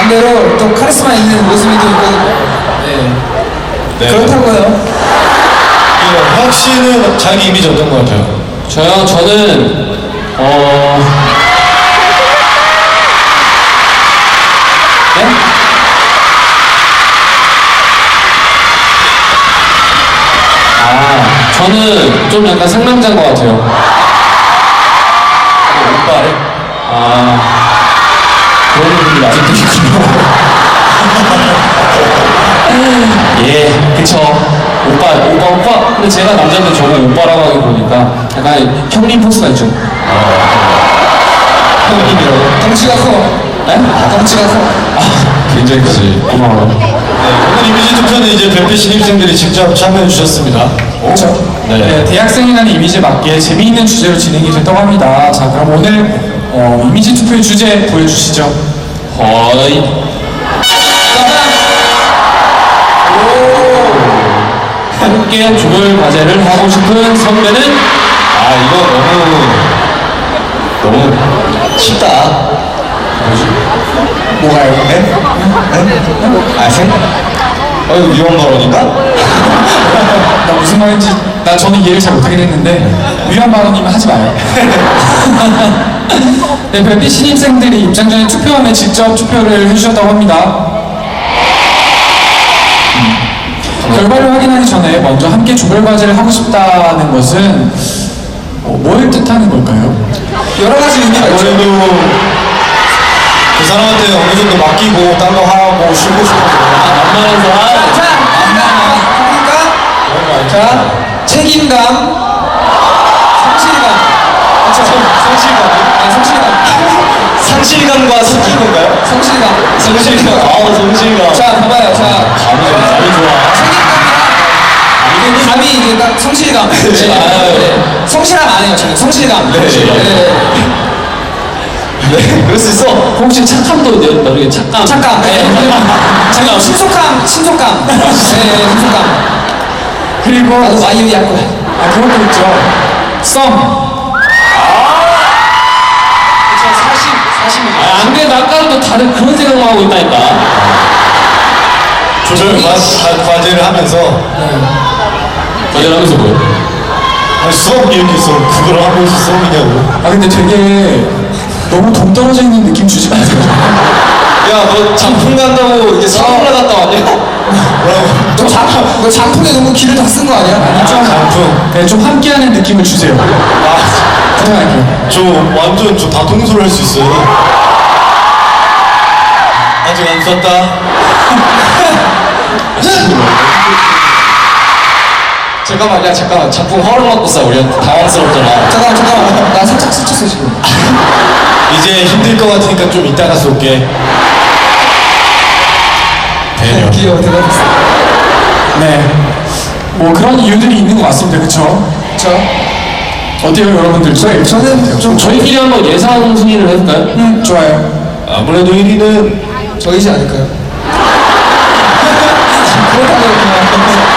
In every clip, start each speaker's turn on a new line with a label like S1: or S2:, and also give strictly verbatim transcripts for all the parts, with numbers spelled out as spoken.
S1: 대로 또 카리스마 있는 모습이 또 있고, 네. 네. 그렇다고요.
S2: 혁 씨는 자기 이미지 어떤 것 같아요?
S3: 저요? 저는 어... 네? 아, 저는 좀 약간 상남자인 것 같아요.
S2: 오빠를?
S3: 아, 그런 분들이 아직도 있군요. 예, 그쵸. 오빠, 오빠, 오빠. 근데 제가 남자인데 저를 오빠라고 하게 보니까 약간 형님 포스가 있죠. 형님이라고?
S1: 덩치가 커.
S3: 네?
S1: 덩치가 커.
S3: 아, 굉장히 크지. 고마워요.
S2: 네, 오늘 이미지 투표는 이제 별빛 신입생들이 직접 참여해 주셨습니다.
S1: 그렇죠.
S2: 네.
S4: 네, 대학생이라는 이미지에 맞게 재미있는 주제로 진행이 됐다고 합니다. 자, 그럼 오늘 어, 이미지 투표의 주제 보여주시죠.
S3: 허이. 함께 조별 과제를 하고 싶은 선배는?
S2: 아, 이거 너무, 너무 쉽다. 뭐지?
S1: 뭐가요? 네?
S2: 네? 아생? 어, 이거 위험 발언인가?
S4: 나 무슨 말인지 나 저는 이해를 잘 못하긴 했는데 위험 발언이면 하지 마요. 네, 별빛 신입생들이 입장 전에 투표함에 직접 투표를 해주셨다고 합니다. 결과를 확인하기 전에 먼저 함께 조별 과제를 하고 싶다는 것은 어, 뭘 뜻하는 걸까요?
S1: 여러 가지 의미가 있죠.
S2: 아무래도 그 사람한테 어느 정도 맡기고 딴 거 하고 쉬고 싶어서
S3: 만만한 사람?
S1: 자, 그러니까, 자, 책임감, 성실감. 그쵸?
S2: 성실감?
S1: 아, 성실감.
S2: 상실감과 섞인 건가요?
S1: 성실감.
S2: 성실감. 아, 성실감.
S1: 자, 봐봐요. 자,
S2: 감이, 감이 좋아.
S1: 책임감이랑 감이 이제 딱 성실감. 네. 네. 성실함 안 해요, 저는. 성실감.
S2: 네.
S1: 네.
S2: 네, 그럴 수 있어.
S3: 혹시 착함도 모르게 착감?
S1: 착감. 네. 잠깐, 신속감, 신속감. 네, 네, 신속감.
S4: 그리고
S1: 나도 마이유이 할 거야.
S4: 아, 그것도 있죠. 썸.
S1: 사십, 사십이죠.
S3: 아, 안 돼. 나 아까도 다른 그런 생각만 하고 있다니까.
S2: 조별 과, 과- 과제를 하면서
S3: 과제를 하면서 뭐요?
S2: 아니, 수업 이렇게 있어. 그걸 하고 있어 수업이냐고.
S4: 아, 근데 되게 너무 동떨어져 있는 느낌 주지 마세요.
S2: 야, 너 장풍 간다고 이게 서울에 갔다 왔냐? 뭐라고?
S1: 너 장, 너 장풍에 너무 기를 다 쓴 거 아니야?
S4: 아니, 좀,
S2: 장풍.
S4: 네, 좀 함께하는 느낌을 주세요.
S2: 아,
S4: 부탁할게요.
S2: 저 완전 저 다 통솔할 수 있어요. 아직 안 썼다.
S1: 잠깐만, 야, 잠깐만. 장풍 허락 맞고 싸. 우리 당황스럽잖아. 잠깐만, 잠깐만. 나 살짝 스쳤어, 지금.
S2: 이제 힘들 것 같으니까 좀 이따가 쏠게. 대녀.
S1: 귀여워, 대단했어.
S4: 네. 뭐 그런 이유들이 있는 것 같습니다. 그쵸?
S1: 그쵸?
S4: 어때요, 여러분들? 저희,
S1: 저는 좀
S3: 저희끼리 한번 예상 순위를 해볼까요?
S4: 음, 좋아요.
S2: 아무래도 일 위는
S1: 저이지 않을까요? 그렇다고 그냥.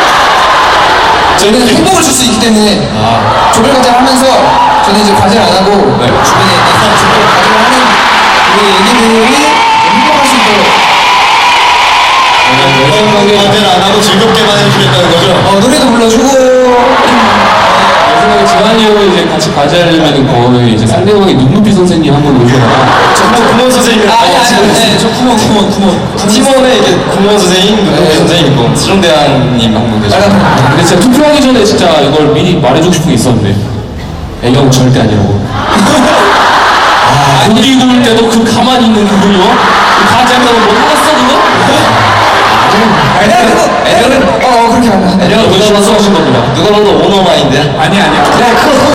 S1: 저희는 행복을 줄 수 있기 때문에
S2: 아,
S1: 조별 과제를 하면서 저는 이제 과제를 안 하고
S2: 네.
S1: 주변에 있는 조별 과제를 하는 우리 애기들이 행복할 수 있도록
S2: 과제를 안 하고 즐겁게만 해주겠다는 거죠?
S1: 어, 노래도 불러주고
S3: 내 생각에 재환이 형은 이제 같이 과제하려면 거의 이제 상대방의 눈높이 선생님 한 번 오셔라.
S2: 정말 구몬 선생님.
S1: 아, 아니 아니 아니 네, 저 구몬 구몬 구몬
S2: 팀원에 이게 구몬 선생님, 눈높이 선생님 있고 수정대왕님 한 분 계시고.
S3: 근데 진짜 투표하기 전에 진짜 이걸 미리 말해주고 싶은 게 있었는데 애경 절대 아니라고. 아, 고기 구울 때도 그 가만히 있는 그분이요? 그 과제한다고 뭐 하겠어 그거?
S1: 애들은 애들은 어 어, 그렇게 한다
S3: 애경 누가 봐서 하신 겁니다.
S2: 누가 봐도 오너마인데.
S4: 아니, 아니야.
S1: 그래 그거